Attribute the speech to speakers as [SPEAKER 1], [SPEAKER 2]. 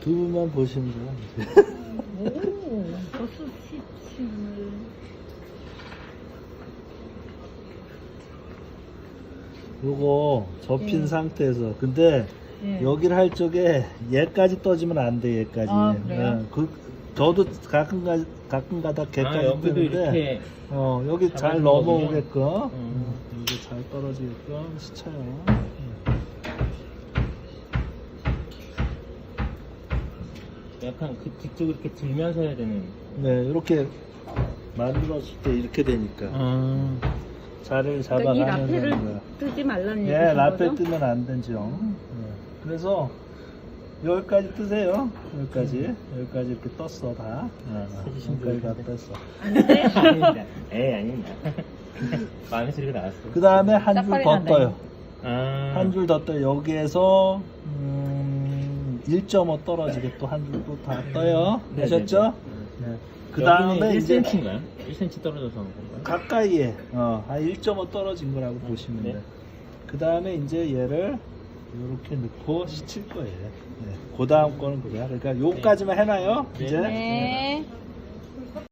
[SPEAKER 1] 두 분만 보시면 돼요.
[SPEAKER 2] 오, 벌써 시침을.
[SPEAKER 1] 요거 접힌
[SPEAKER 2] 예.
[SPEAKER 1] 상태에서 근데
[SPEAKER 2] 예.
[SPEAKER 1] 여기를 할 적에 얘까지 떠지면 안 돼. 얘까지.
[SPEAKER 2] 아, 그래요?
[SPEAKER 1] 저도 가끔가다 걔까지
[SPEAKER 3] 여기도
[SPEAKER 1] 뜨는데
[SPEAKER 3] 이렇게
[SPEAKER 1] 여기 잘
[SPEAKER 3] 잡아주는
[SPEAKER 1] 넘어오게끔
[SPEAKER 3] 거군요.
[SPEAKER 1] 여기 잘 떨어지게끔 시쳐요.
[SPEAKER 3] 약간 그 뒤쪽 이렇게 들면서 해야 되는.
[SPEAKER 1] 네, 이렇게 만들었을 때 이렇게 되니까 자리를
[SPEAKER 2] 그러니까 이
[SPEAKER 1] 잡아가면서
[SPEAKER 2] 라페를
[SPEAKER 1] 하는 거야.
[SPEAKER 2] 뜨지 말라는
[SPEAKER 1] 예,
[SPEAKER 2] 얘기신
[SPEAKER 1] 라페
[SPEAKER 2] 거죠?
[SPEAKER 1] 뜨면 안 되죠. 그래서 여기까지 뜨세요. 여기까지 이렇게 떴어 다.
[SPEAKER 3] 해주신
[SPEAKER 1] 여기까지 다
[SPEAKER 3] 분인데.
[SPEAKER 1] 떴어.
[SPEAKER 2] 안 돼?
[SPEAKER 3] 아닙니다. 아닙니다. 마음의 소리가 나왔어.
[SPEAKER 1] 그 다음에 한 줄
[SPEAKER 2] 짝발이
[SPEAKER 1] 더
[SPEAKER 2] 난다,
[SPEAKER 1] 떠요.
[SPEAKER 3] 한
[SPEAKER 1] 줄 더 떠요. 여기에서 1.5 떨어지게 또 한 줄 또 다 떠요.
[SPEAKER 3] 네,
[SPEAKER 1] 되셨죠?
[SPEAKER 3] 네,
[SPEAKER 1] 네. 그 다음에 이제
[SPEAKER 3] 1cm인가요? 1cm 떨어져서 한 건가요?
[SPEAKER 1] 가까이에 한 1.5 떨어진 거라고 보시면
[SPEAKER 3] 네.
[SPEAKER 1] 돼요. 그 다음에 이제 얘를 이렇게 넣고 시칠 거예요. 네. 그 다음 거는 그거야. 그러니까 요까지만 해놔요.
[SPEAKER 3] 네.
[SPEAKER 1] 이제
[SPEAKER 2] 네.